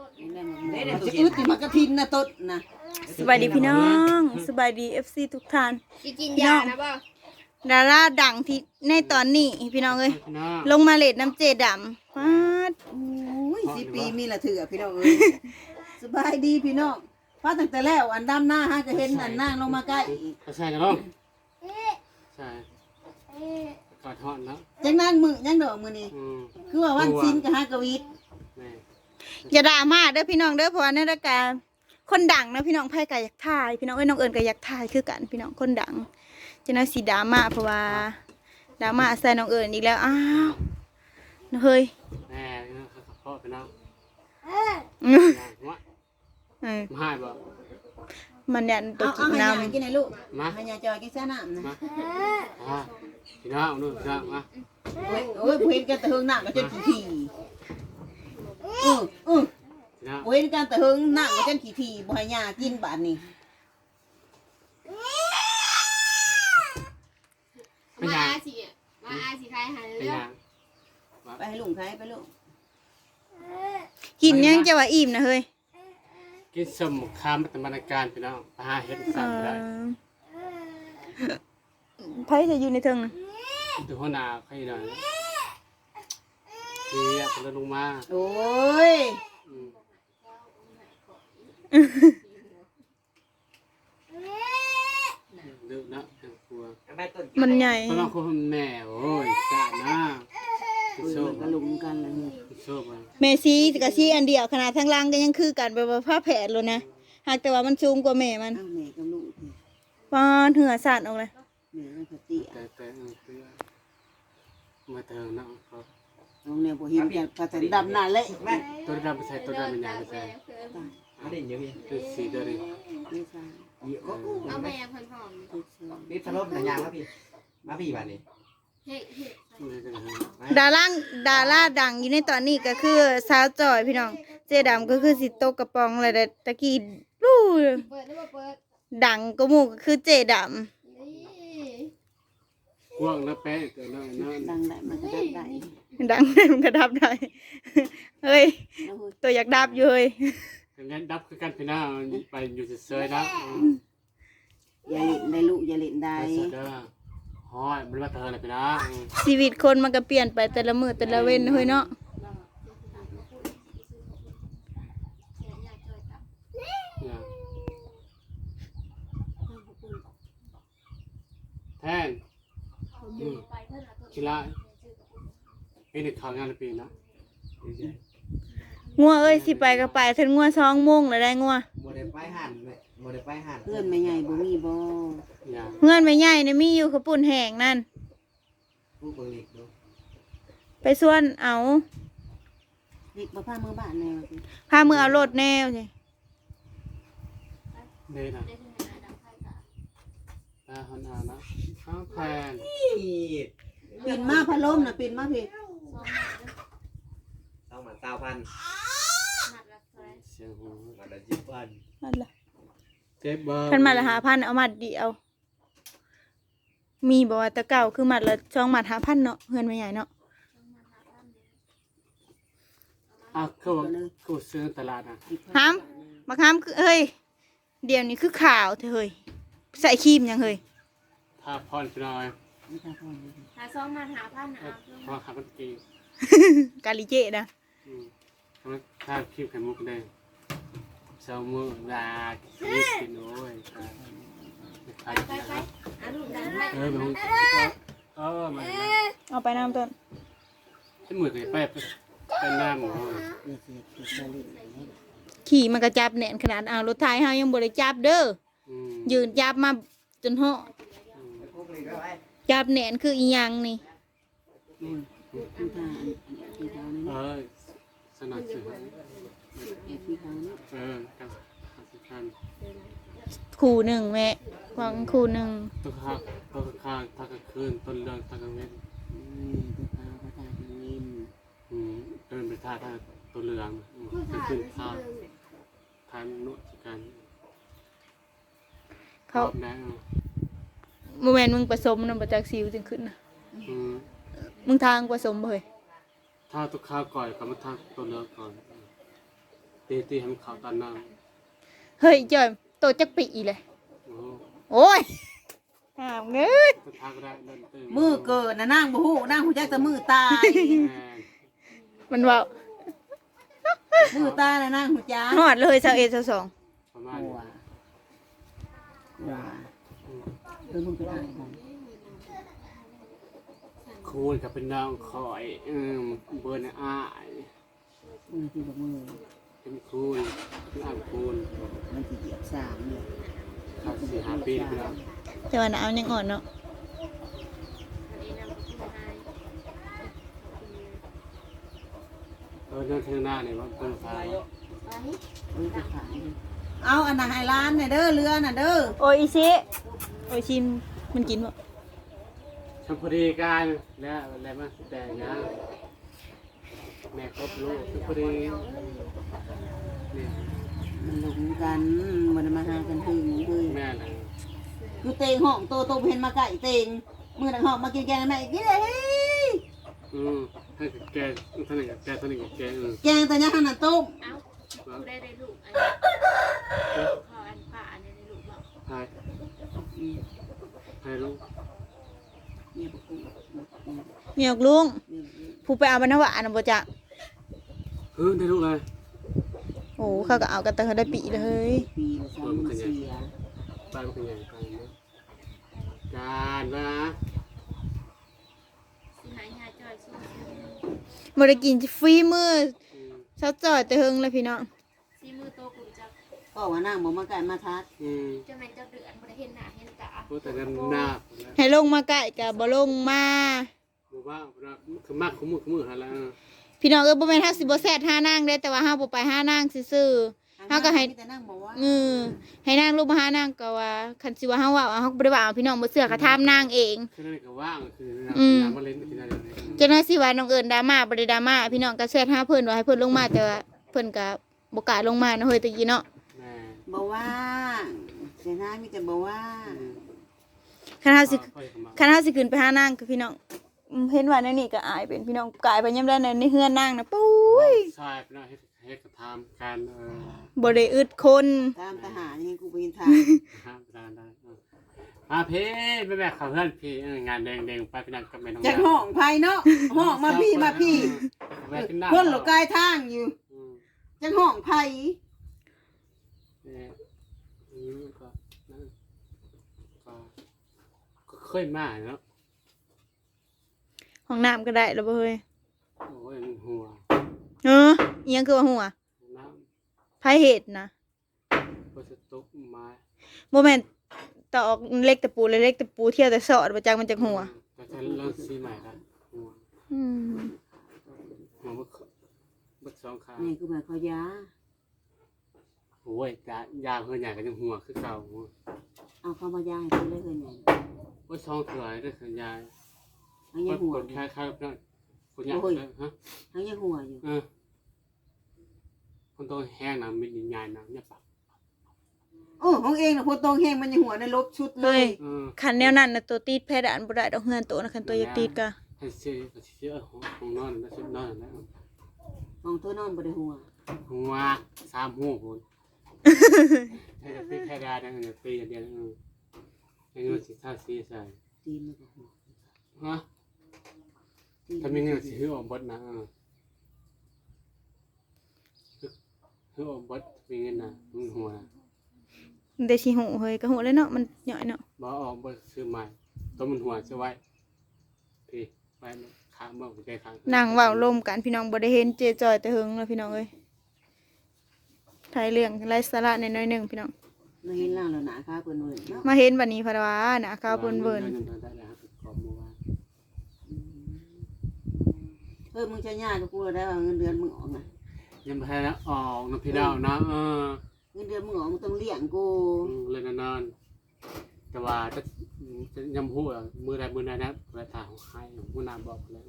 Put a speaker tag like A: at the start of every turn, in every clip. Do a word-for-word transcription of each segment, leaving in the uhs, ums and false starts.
A: มันจะอึดมากระทินนะต้นนะ
B: สบายดีพี่น้องสบายดี เอฟ ซี ทุกท่าน
C: กินยานะบ่
B: ดาราดังที่ในตอนนี้พี่น้องเอ้ยลงมาเลดน้ำเจดำฟาด
A: โอ้ยสิปีมีละเถื่อพี่น้องเอ้ยสบายดีพี่น้องฟ้าตั้งแต่แล้วอันดำหน้าฮะก็เห็นอันนั่งลงมาใกล้
D: ใช่กันน้องใช่กอดทอดนะ
A: จังนั่งมือยังดอกมือนี่คือว่าวันซินกับฮากวิท
B: อย่าด่ามาเด้อพี่น้องเด้อเพราะว่าในรายการคนดังนะพี่น้องไพ่กาอยากถ่ายพี่น้องเอ้ยน้องเอิญกาอยากถ่ายคือกันพี่น้องคนดังจะน่าสีดราม่าเพราะว่าดราม่าใส่น้องเอิญอีกแล้วอ้าวเฮ้ย
D: แม่พ่อพี่น้องมาให้บ่
B: มันเนี่ยตัวกินน้ำ
A: กินไหนลูกมาให้ยาจอยกินซะน้ำนะ
D: พี่น้องนู่นพี่น้องมา
A: โอ้ยโอ้ยเห็นกันแต่เฮิงหนักก็จนขี้ทีอืออือเห็นกันแต่เฮิงหนักก็จนขี้ทีบ่ให้ยากินบาดนี้
C: มาอาสิมาอาสิใครหาเรื่อง
A: ไปให้ลุงใครไปลูก
B: กินยังจะว่าอิ่มนะเฮ้ย
D: กินสมคามตบรรการพี่น้องปลาเห็ดสัตว์ได้
B: ไพ่จะอยู่ในเทิง
D: ดูหัวหน้าใครหน่อยดีอ่ะเป็นลงมา
A: โอ้ย
D: ดึกนะกลัว
B: มันใหญ่
D: เพราะเราคนแม่โอ้ยจ้านะ
A: โซ่กระลุมกันเลย
D: โซ่ไป
B: เมซี่กับซี่อันเดียวขนาดทั้งล่างก็ยังคือกันแบบว่าผ้าแผดเลยนะหากแต่ว่ามันสูงกว่าแม่มัน
A: แม่กับลูก
B: ป้อนเหือสาดออกเลย
A: แม่มันเตี้ย
D: แต่แต่มาเติมนะครับ
A: น้องเนี่ยพอเห็นกันกระสันดำหน้าเละ
D: ตัวดำไปใส่ตัวดำเป็นยังไงใส่
E: ไม่ได้เยอะพี่
D: เป็นสีตัวนี้
A: ไม่ใช่
C: เอาแม่เพิ่นหอม
E: นี่สลบหนังยางครับพี่มาพี่บ้านนี้
B: ดาราดาราดังอยู่ในตอนนี้ก็คือสาวจอยพี่น้องเจดำก็คือสิโตกระปองอะไรแต่ตะกี้รู้ดังก็มูก็คือเจดำ
D: กว้างนะแป๊ะแต่ละนั่น
A: ดังได้มันก็ดับได้
B: ดังได้มันก็ดับได้เฮ้ยตัวอยากดับอยู่เฮ้ย
D: งั้นดับคือกันพี่น้าไปอยู่เฉยๆนะ
A: อย่าเล่นได้ลูกอย่าเล่นได้
D: ฮอยมันมาเธอเลยพี่น้า
B: ชีวิตคนมันก็เปลี่ยนไปแต่ละมื้อแต่ละเว้นเฮ้ยเนาะ
D: แทนกีฬาเป็นเด็กข่าวงานปีนะ
B: งัวเอ้ยสิไปก็ไปถึงงัวสองโมงแล้วได้งัว
E: โมเดลไปหันโมเดลไปหัน
A: เพื่อนไม่ใหญ่บ่มีบ่
B: เพื่อนไม่ใหญ่เนี่ยมีอยู่ขปุ่นแห้งนั่นไปส่วนเอา
A: เด็กมาพามือบ้านแนว
B: พามือเอารถแนวสิ
D: เดินนะตาหันอานะข้าวแพน
A: ปิ่นมาพัดลมนะปิ่นมาพี่
E: ต้องมาเก้าพัน
D: เสียงหู
E: มาละยี่พัน
B: นั่นแหละ
D: เจ็บบ้า
B: พันมาละหาพันเอามัดเดียวมีบอกว่าตะเก่าคือมัดละช่องมัดหาพันเนาะเพื่อนไม่ใหญ่เนาะ
D: อ่ะคือคือซื้อตลาดนะ
B: ห้ามมาห้ามคือเฮ้ยเดี๋ยวนี้คือข่าวเธอเฮ้ยใส่ครีมยังเฮ้ย
D: ทาพรพี่น้อย
C: หาซ้อมมาหาพันนะ
D: พอขับรถกี
B: กาลิเจนะ
D: ถ้าคลิปไข่มุกได้เซลมือลาคลิปกินโอ้ย
C: ไปไปไปอ่ะลูกดันไป
D: เออไปหุ้นเออมา
B: เอาไปน้ำต้น
D: ที่มือเคยไปไปน้ำหมู
B: ขี่มันกระจับแหน่นขนาดเอารถไทยเฮายังบริจับเด้อยืนจับมาจนห่อจับแหน่นคืออีหยังนี่
D: เออสนับสนุนเออกับการ
B: คู่หนึ่งแม่วางคู่หนึ่ง
D: ตัวข้างตัวข้างทักคืนต้นเรื่องทักเว้น
A: ตัวข้างพระตาทางนิม
D: อืมเดินไปท่าท่าตัวเรืองเป็นขึ้นท่าทานนุสกัน
B: เขาโมเมนต์มึงผสมน้ำประจักษ์ซิวจึงขึ้นนะมึงทางผสมเลย
D: ถ้าตุกข้าวก่อยกับมาทางตัวเลือกก่อนตีตีให้มันเข้าตอนนั้น
B: เฮ้ยจอยโตจักปีเลย
D: โอ้
B: โอ้ยหามเงย
D: จะทักได้เดินตื่น
A: มือเกิดน่ะนางบ่ฮู้นางฮู้จักแต่มือตาย
D: แม่น
B: มันเว่า
A: มือตายน่ะนางฮู้จัก
B: หอดเลยเจ้าเอเจ้าสอง
D: ประมาณ
A: กลัวกลัวเออมึงไปถ่ายของ
D: คูณกับเป็นน้องคอยเออเบิร์นอ้าย
A: มึงที่บอกมือ
D: เป็นคูณเป็นอ่างคูณ
A: มันสิเหยียบสามเนี่ย
D: ขาดสี่ห้าปีแล้ว
B: แต่ว่าหนาวยังอ่อนเนาะ
D: เออเดินเที่ยวหน้าเนี่ยว่าเพิ่งฟ้า
A: เออไปขายดิเอาอันน่ะให้ร้านเนี่ยเด้อเรือน่ะเด้อ
B: โอ้ยอีซิโอ้ยชิมมันกินบ่
D: ทำพอดีกันแล้วอะไรมาแต่งงานแม่ครบลูกพอดีนี่
A: มันหลงกันมันมาหากันถึงเลย
D: แม่นะ
A: คือเตงห้องโตโตเห็นมาไก่เตงมือหนังห้องมากินแกงแม่กินเลยเฮ้ย
D: อืมให้แกท่านหนึ่งแกท่านหนึ่งแกเออ
A: แกงแต่ยังขนาดต้ม
C: เอ้ากูได้ได้ลูกอันนี้ขออันป่าอันนี้ได้ลูกบอก
D: ใช่ใช่ลูก
A: เนี่ยบอกกูเนี่ย
B: เมียกลุง
A: เนี่ย
B: ผู้ไปเอาบรรณวะนะบ่จ๊ะ
D: เออได้ลูกเลย
B: โอ้เขาก็เอากันแต่เขาได้ปีเลย
A: ปีละสามมันเสีย
D: ไปมันเป็นยังไงการนะ
C: สิหายหาจอยสู้
B: บ่ได้กินฟรีมื้อเช้าจ่อยแต่เฮิงเลยพี่น้อง
C: ซีมือโตกูจัก
A: ก็ว่านั่งบอกมาไก่มาทัด
D: อืม
C: จะแม่นจะเดือนบ่ได้เห็นหน้าเห็นตา
D: พูดแต่กันหน้า
B: ให้ลงมาใกล้ก็บ่ลงมา
D: บอกว่าคือมากขมือขมือฮะแล้ว
B: พี่น้องเอ้ยบ่แม่นเฮาสิบ่แซ่ดหานางเด้แต่ว่าเฮาบ่ไปหานางซื่อๆเฮาก็ให้
A: แต่นั่งบอกว่า
B: เออให้นางลูกมาหานางก็ว่าคันสิว่าเฮาเว้าเฮาก็บ่ได้ว่าเอาพี่น้องบ่เชื่อก็ถามนางเอง
D: คือนั่นก็ว่างคือน้ำมาเล่นกินอะไร
B: เจ้าหน้าที่ว่าน้องเอิญดราม่าบ่ได้ดราม่าพี่น้องก็แชทหาเพิ่นว่าให้เพิ่นลงมาแต่ว่าเพิ่นก็บ่กล้าลงมาเนาะเฮ้ยตะกี้เนาะ
D: แม่
A: บอกว่าเสียหน้ามีแต่บอกว่า
B: คันเฮาสิคันเฮาสิขึ้นไปหานางก็พี่น้องอืมเห็นว่าในนี่ก็อายเป็นพี่น้องกลายไปยามใดในเฮือนนางน่ะปุ้ย
D: ใช่พี่น้องให้ให้กระทำการเออ
B: บ่ได้อึดคน
A: ตามทหารยังกูไปยินทาง
D: ห้ามได้ได้มาพี่แม่แม่ขอเพื่อนพี่งานแดงแดงไปพี่น้องกับแม่น้อง
A: จากห้องไผ่เนาะห้องมาพี่มาพี่คนหลกกายทางอยู่จากห้องไผ่
D: เนี่ยอืมก็นั่นก็ก็เคยมาเนาะ
B: ห้องน้ำก็ได้แล้วบ่เฮ้ย
D: โอ้ยหัว
B: เอออีหยังคือว่าหัว
D: น้
B: ไผเฮ็ดนะ
D: ำก็จะตกไม้
B: บ่แม่นตอกเล็กตะปูเลยเล็กตะปูเที่ยวแต่สอดบ่จักมันจักหัว
D: ก็จะเริ่มซีใหม่ละหัว
B: อืม
D: หัวบึกบึกสองขา
A: นี่คือแบบเขายา
D: โอ้ยยายาเพื่อนใหญ่ก็ยังหัวคือเก่า
A: เอาเข้ามายาให้กูเลยเกินไง
D: ว่าช่องเถื่อนด้วยคือยาย
A: ทั้งยังหัว
D: กดคล้ายๆนั่นคนยากเลยฮะ
A: ทั้งยังหัวอยู่
D: เออคนโตแห้งนะมีดินยายนะเนี่ยปะ
A: โอ้ของเองนะพอตรงแห้งมันยังหัวในลบชุดเล
B: เฮ้
A: ย
B: ย
D: เออ
B: คันแนวนั้นน่ะตัวตีดเพดานบ่ได้ดอกเฮือนโตนะคันตัวอยากตีดก็
D: ให้เสียก็เสียของของนอนแล้วชุดนอนแล้ว
A: ของตัวนอนบริหัว
D: หัวสามหัวคนให้จะตีแค่ได้นะเนี่ยตีอย่างเดียวเออให้เงินสิท่าสีใส่
A: ตีนมันก็หัว
D: ฮะถ้ามีเงินสิหือออกบดนะเออหือออกบดมีเงินนะมึงหัวนะ
B: มันได้สิหูเฮ้ยก็หูเลยเนาะมันย่อยเนาะ
D: บ่ออกบดซื้อใหม่ตัวมันหัวจะไว้พี่ไปค้างเมื่อใจค้าง
B: นั่งเว้าลมกันพี่น้องบ่ได้เห็นเจจอยแต่เฮิงแล้วพี่น้องเอ้ยถ่ายเรื่องไร้สาระน้อยๆหนึงพี่น้อง
A: เราเห็นล่างเราหนาข้าเปิ้นเวิร์นเนาะ
B: มาเห็นบัดนี้พะว่าน่ะขาวเปิ้นเบิ่น
D: ได้แล้วครับขอบมือว่า
A: เฮ้ยมึงจะยากกับกูได้ว่าเงินเดือนมึงออกนะ
D: ยังไม่ได้ออกนะพี่ดาวนะเออ
A: เงินเดือนมึงออกมึงต้องเลี้ยงกู
D: เลยนานๆแต่ว่าจะจะยำหัวมือใดมือใดนะเวลาถ่ายของใครมือนาบอกแล้ว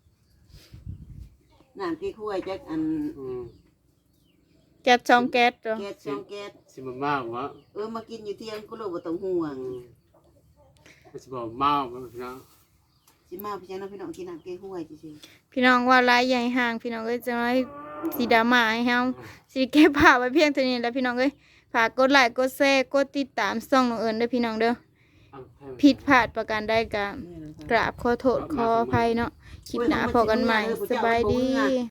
A: น้ำกี่ถ้วยจักอัน
D: อืม
B: แก๊สช่องแก๊สจ้ะ
A: แก๊สสองแก๊ส
D: สิบมากวะ
A: เออมากินอยู่เที่ยงกูรู้บ่ต้องห่วง
D: มันสิบอกเมาพี่น้อง
A: สิมาพี่จังนะพี่น้องกินน้ำเกลือห้วยจริง
B: พี่น้องว่าหลายใหญ่ห่างพี่น้องเอ้ยจะน้อยสีดราม่าให้เฮาสิเก็บภาพไว้เพียงเท่านี้แหล้วพี่น้องเอ้ยฝากกดไลค์กดแชร์กดติดตามช่องน้องเอิญเด้อพี่น้องเด้อผิดพลาดประการใดก็กราบขอโทษขออภัยเนาะคลิปหน้าพบกันใหม่สบายดี